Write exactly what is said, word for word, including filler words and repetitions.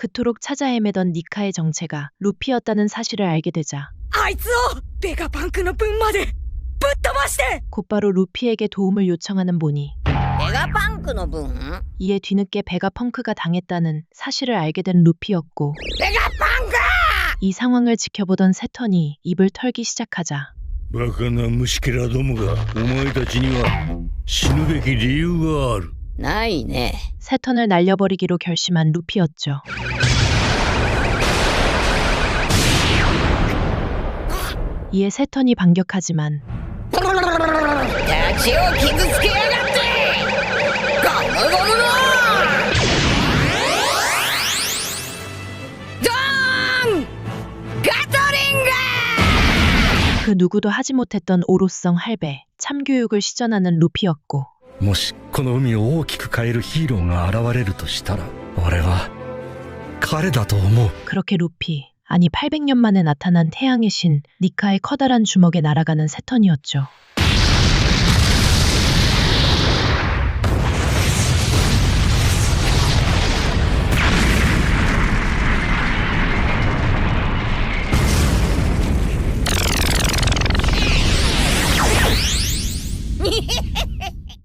그토록 찾아 헤매던 니카의 정체가 루피였다는 사실을 알게 되자 あいつをベガパンクの分までぶっ飛ばして 곧바로 루피에게 도움을 요청하는 보니 ベガパンクの分 이에 뒤늦게 베가펑크가 당했다는 사실을 알게 된 루피였고 ベガパンク 이 상황을 지켜보던 세턴이 입을 털기 시작하자 バカな虫けらどもがお前たちには死ぬべき理由がある。 ないね 세턴을 날려버리기로 결심한 루피였죠. 이에 세턴이 반격하지만 立ちを傷つけやがってゴムゴムのドーンガトリング 그 누구도 하지 못했던 오로성 할배, 참교육을 시전하는 루피였고 もしこの海を大きく変えるヒーローが現れるとしたら俺は彼だと思う 그렇게 루피, 아니 팔백 년 만에 나타난 태양의 신 니카의 커다란 주먹에 날아가는 세턴이었죠.